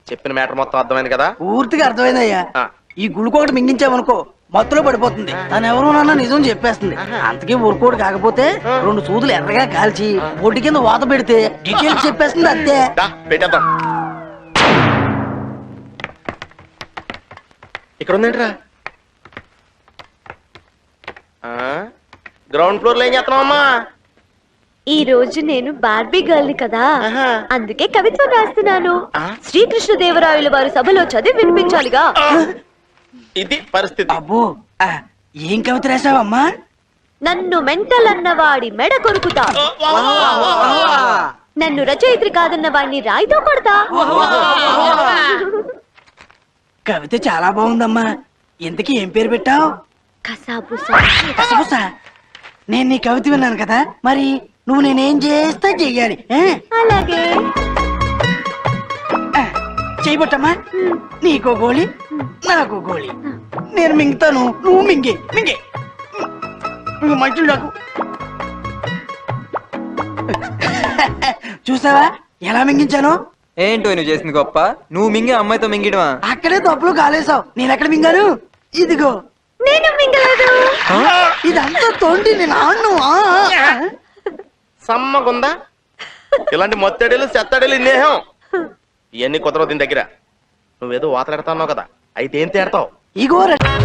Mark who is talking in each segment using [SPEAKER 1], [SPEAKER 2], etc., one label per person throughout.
[SPEAKER 1] చెప్పిన మ్యాటర్ మొత్తం అర్థమైంది కదా?
[SPEAKER 2] పూర్తిగా అర్థమైందయ్యా. ఈ గుళికోటి మింగించామనుకో మత్తులో పడిపోతుంది. తను ఎవరు నాన్న నిజం చెప్పేస్తుంది. అంతకీ ఊరుకోడు కాకపోతే 2 సూదులు ఎర్రగా కాల్చి ఒడ్డు కింద వాత పెడితే డీటెయిల్స్ చెప్పేస్తుంది అంతే.
[SPEAKER 1] పెట్టేద్దాం. ఇక్కడ ఉందేంట్రా? గ్రౌండ్ ఫ్లోర్ లో ఏం చేస్తున్నావమ్మా?
[SPEAKER 3] ఈ రోజు నేను బార్బీ గర్ల్ ని కదా, అందుకే కవిత్వం రాస్తున్నాను. శ్రీకృష్ణదేవరాయల వారి సభలో చదివి వినిపించాలిగా.
[SPEAKER 1] ఇది పరిస్థితి.
[SPEAKER 2] అబ్బో ఏం కవిత రాసావమ్మా?
[SPEAKER 3] నన్ను మెంటల్ అన్న వాడి మెడ కొరుకుతా, నన్ను రచయిత్రి కాదన్న వాడిని రాయితో కొడతా.
[SPEAKER 2] కవిత చాలా బాగుందమ్మా. ఇంతకీ ఏం పేరు పెట్టావు? కసబుసా. నేను నీ కవిత విన్నాను కదా, మరి నువ్వు నేనేం చేస్తా చెయ్యాలి.
[SPEAKER 3] అలాగే
[SPEAKER 2] చేయబట్టమ్మా. నీకో గోళీ నాకు గోళీ. నేను మింగుతాను, నువ్వు మింగే మింగే మంచులు నాకు. చూసావా ఎలా మింగించాను?
[SPEAKER 4] ఏంటో నువ్వు చేసింది గొప్ప. నువ్వు మింగి అమ్మాయితో మింగిడవా?
[SPEAKER 2] అక్కడే తప్పులు కాలేసావు. నేను ఎక్కడ మింగాను? ఇదిగో
[SPEAKER 3] నేను మింగలేదు.
[SPEAKER 2] ఇదంతా తోండి నేను ఆను.
[SPEAKER 1] సమ్మగుందా ఇలాంటి మొత్తడేలు చెత్తడేలు ఇన్నేహం ఇవన్నీ కుదరవు దీని దగ్గర. నువ్వేదో వాతలాడుతున్నావు కదా, అయితే ఏం తేడతావు?
[SPEAKER 2] ఇగో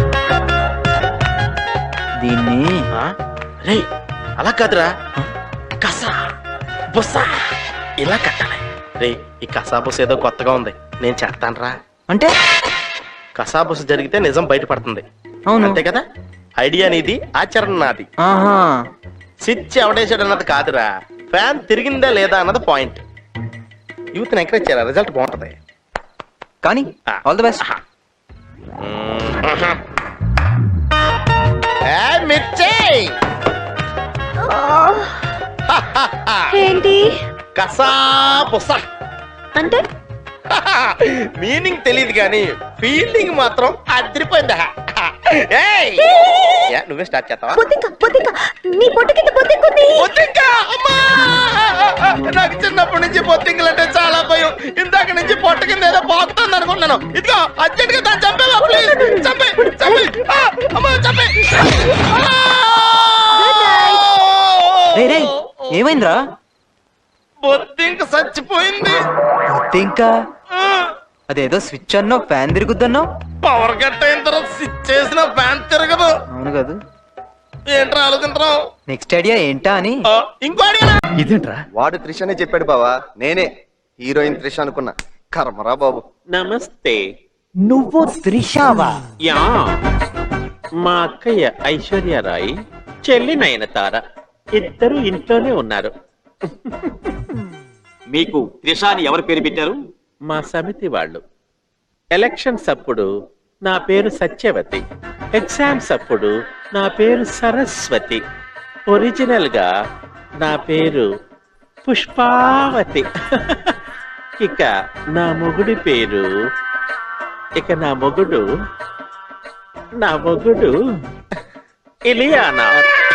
[SPEAKER 4] దీన్ని
[SPEAKER 1] రే అలా కాదురా, కసా బుస్సా ఇలా కట్టాలి. రే ఈ కసా బుస్స ఏదో కొత్తగా ఉంది, నేను చేస్తాను రా.
[SPEAKER 4] అంటే
[SPEAKER 1] కసా బుస్స జరిగితే నిజం బయటపడుతుంది.
[SPEAKER 4] అవును
[SPEAKER 1] అంతే కదా? ఐడియా నీది, ఆచరణ నాది.
[SPEAKER 4] ఆహా,
[SPEAKER 1] స్విచ్ ఎవడేసాడు అన్నది కాదురా, ఫ్యాన్ తిరిగిందా లేదా అన్నది పాయింట్. యూత్ ఎంకరేజ్ చేయాలి, రిజల్ట్ బాగుంటది.
[SPEAKER 4] కానీ ఆల్ ది బెస్ట్.
[SPEAKER 3] ఏంటి
[SPEAKER 1] కసా బుస్సా
[SPEAKER 3] అంటే?
[SPEAKER 1] మీనింగ్ తెలియదు కానీ ఫీలింగ్ మాత్రం అదిరిపోయిందా. నువ్వే స్టార్ట్ చేస్తావా?
[SPEAKER 3] నీ పొట్టు కింద బొద్దింకుంది.
[SPEAKER 1] నాకు చిన్నప్పటి నుంచి బొత్తింకలు అంటే చాలా భయం. ఇందాక నుంచి పొట్ట కింద ఏదో బాగుతుంది అనుకున్నాను. ఇదిగో అర్జెంట్ గా దాన్ని చంపేవా ప్లీజ్. చంపే చంపే అమ్మా చంపే.
[SPEAKER 4] ఏమైందిరా?
[SPEAKER 1] బొత్తింక చచ్చిపోయింది.
[SPEAKER 4] ఇంకా అదేదో స్విచ్ అన్నో ఫ్యాన్ తిరుగుద్దన్నో.
[SPEAKER 1] పవర్ కట్ అయిన తర్వాత స్విచ్ చేసిన ఫ్యాన్ తిరగదు.
[SPEAKER 4] అవును కదా,
[SPEAKER 1] ఏంట్రా ఆలోచించరావు?
[SPEAKER 4] నెక్స్ట్ ఐడియా ఏంటా అని.
[SPEAKER 1] ఇంకో ఐడియా
[SPEAKER 5] ఇదేంట్రా? వాడు త్రిష అనే చెప్పాడు బావా, నేనే హీరోయిన్ త్రిష అనుకున్నా. కర్మరా బాబు.
[SPEAKER 6] నమస్తే.
[SPEAKER 2] నువ్వు త్రిషావా?
[SPEAKER 6] యా, మా అక్కయ్య ఐశ్వర్యరాయ్, చెల్లి నయనతార ఇద్దరు ఇంట్లోనే ఉన్నారు.
[SPEAKER 7] మీకు త్రిష అని ఎవరు పేరు పెట్టారు?
[SPEAKER 6] మా సమితి వాళ్ళు. ఎలక్షన్స్ అప్పుడు నా పేరు సత్యవతి, ఎగ్జామ్స్ అప్పుడు నా పేరు సరస్వతి, ఒరిజినల్ గా నా పేరు పుష్పావతి. ఇక నా మొగుడి పేరు నా మొగుడు ఇలియానా.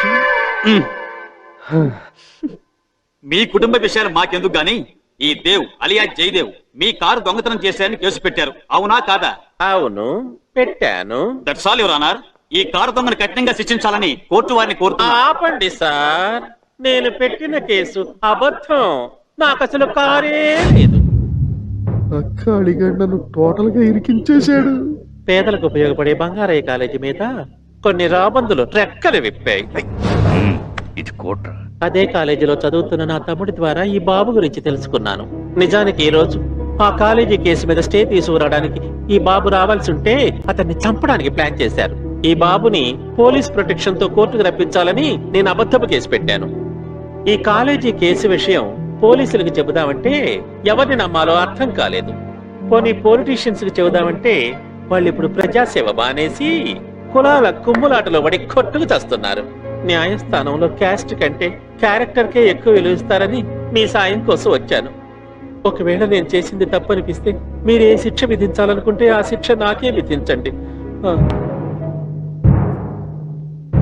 [SPEAKER 7] మీ కుటుంబ విషయాలు మాకెందుకు గాని, ఈ దేవ్ అలియా జయదేవ్ మీ కారు దొంగతనం చేశారని కేసు పెట్టారు, అవునా కాదా?
[SPEAKER 6] అవును, పెట్టాను.
[SPEAKER 7] That's all your honour. ఈ కారు దొంగను కఠినంగా శిక్షించాలని కోర్టు వారిని కోరుతున్నా.
[SPEAKER 6] ఆపండి సార్, నేను పెట్టిన కేసు అబద్ధం. నాకు అసలు కారే లేదు.
[SPEAKER 5] నన్ను టోటల్ గా ఇరికించేశాడు.
[SPEAKER 6] పేదలకు ఉపయోగపడే బంగారయ్య కాలేజీ మీద కొన్ని రాబందులు రెక్కలు విప్పాయి.
[SPEAKER 5] ఇది కోట్రా.
[SPEAKER 6] అదే కాలేజీలో చదువుతున్న నా తమ్ముడి ద్వారా ఈ బాబు గురించి తెలుసుకున్నాను. నిజానికి ఈ రోజు ఆ కాలేజీ కేసు మీద స్టే తీసుకురావడానికి ఈ బాబు రావాల్సి ఉంటే అతన్ని చంపడానికి ప్లాన్ చేశారు. ఈ బాబుని పోలీస్ ప్రొటెక్షన్ తో కోర్టుకు రప్పించాలని నేను అబద్ధపు కేసు పెట్టాను. ఈ కాలేజీ కేసు విషయం పోలీసులకు చెబుదామంటే ఎవరిని నమ్మాలో అర్థం కాలేదు. పోనీ పొలిటీషియన్స్ కి చెబుదామంటే వాళ్ళు ఇప్పుడు ప్రజాసేవ బానేసి కులాల కుమ్ములాటలో పడి కొట్టుకు చేస్తున్నారు. న్యాయస్థానంలో క్యాస్ట్ కంటే క్యారెక్టర్ కే ఎక్కువ విలువిస్తారని మీ సాయం కోసం వచ్చాను. ఒకవేళ నేను చేసింది తప్పనిపిస్తే మీరు ఏ శిక్ష విధించాలనుకుంటే ఆ శిక్ష నాకే విధించండి.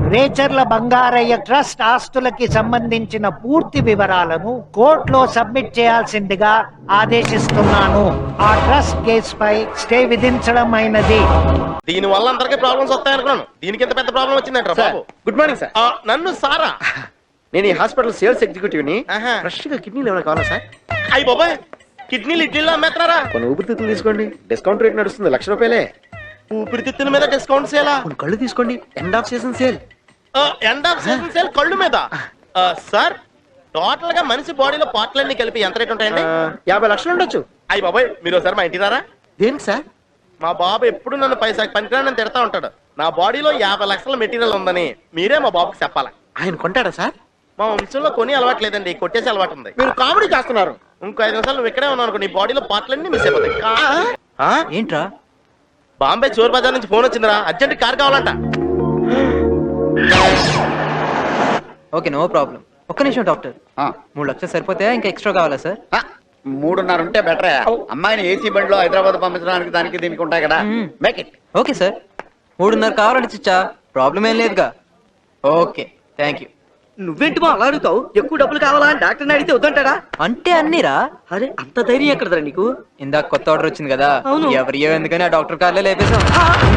[SPEAKER 8] రేచర్ల బంగారయ్య ట్రస్ట్ ఆస్తులకి సంబంధించిన పూర్తి వివరాలను కోర్టులో సబ్మిట్ చేయాల్సిందిగా ఆదేశిస్తున్నాను. ఆ ట్రస్ట్ కేసుపై స్టే విధించడం అయినది.
[SPEAKER 1] దీని వల్ల అందరికీ ప్రాబ్లమ్స్ వస్తాయనుకున్నాను. దీనికి ఎంత పెద్ద ప్రాబ్లం వచ్చిందంట బాబు.
[SPEAKER 5] Good morning sir.
[SPEAKER 1] నన్ను సారా
[SPEAKER 5] నేను ఈ హాస్పిటల్ సేల్స్ ఎగ్జిక్యూటివ్ ని.
[SPEAKER 1] ఆహా.
[SPEAKER 5] ఫ్రెష్ గా కిడ్నీలు ఏమైనా కావాలా సార్?
[SPEAKER 1] అయ్యి బాబాయ్, కిడ్నీలు ఇడ్లీలో అమ్మేస్తున్నారా?
[SPEAKER 5] కొన్ని ఊపిరితిత్తులు తీసుకోండి, డిస్కౌంట్ రేట్ నడుస్తుంది, ₹1,00,000.
[SPEAKER 1] ఊపిరితిత్తుల మీద డిస్కౌంట్ సేలా?
[SPEAKER 5] కొన్ని కళ్ళు తీసుకోండి, end of season sale.
[SPEAKER 1] End of season sale కళ్ళు మీద. సార్, టోటల్ గా మనిషి బాడీలో పార్ట్లన్నీ కలిపి ఎంత రేట్ ఉంటాయండి?
[SPEAKER 5] 50 లక్షలు ఉండొచ్చు.
[SPEAKER 1] అయ్యి బాబాయ్, మీరు ఒకసారి మా ఇంటికి రారా?
[SPEAKER 5] దేనికి సార్?
[SPEAKER 1] మా బాబు ఎప్పుడు నన్ను పైసాకి పనికిరాని తిడతా ఉంటాడు. నా బాడీలో 50 లక్షల మెటీరియల్ ఉందని మీరే మా బాబుకి చెప్పాలా.
[SPEAKER 5] ఆయన కొంటాడా సార్?
[SPEAKER 1] మా వంశంలో కొని అలవాటు లేదండి, కొట్టేసి అలవాటు ఉంది.
[SPEAKER 5] మీరు కామెడీ చేస్తున్నారు.
[SPEAKER 1] ఇంకో 5 నిమిషాలు నువ్వు ఇక్కడే ఉన్నావు అనుకో, నీ బాడీలో పార్ట్లన్నీ మిస్ అయిపోతాయి.
[SPEAKER 4] ఏంట్రా?
[SPEAKER 1] బాంబే చోర్ బజార్ నుంచి ఫోన్ వచ్చిందిరా, అర్జెంట్ కార్ కావాలంట.
[SPEAKER 4] Okay, no problem. ఒక్క నిమిషం డాక్టర్. 3 లక్షలు సరిపోతే ఇంకా ఎక్స్ట్రా కావాలా సార్?
[SPEAKER 5] 3.5 ఉంటే బెటరే. అమ్మాయిని ఏసీ బండిలో హైదరాబాద్ పంపించడానికి దానికి దీనికి ఉంటాయి కదా. Make it.
[SPEAKER 4] ఓకే సార్, 3.5 కావాలంటే చిచ్చా, ప్రాబ్లం ఏం లేదుగా. Okay, thank you.
[SPEAKER 2] నువ్వేంటి మా అలా అడుగుతావు? ఎక్కువ డబ్బులు కావాలా అని డాక్టర్ని అడిగితే వద్దంటాడా?
[SPEAKER 4] అంటే అన్నీరా.
[SPEAKER 2] అరే, అంత ధైర్యం ఎక్కడదా నీకు?
[SPEAKER 4] ఇందాక కొత్త ఆర్డర్ వచ్చింది కదా,
[SPEAKER 2] అవును.
[SPEAKER 4] ఎవరియో ఎందుకని ఆ డాక్టర్ కార్లే లేపేశాం.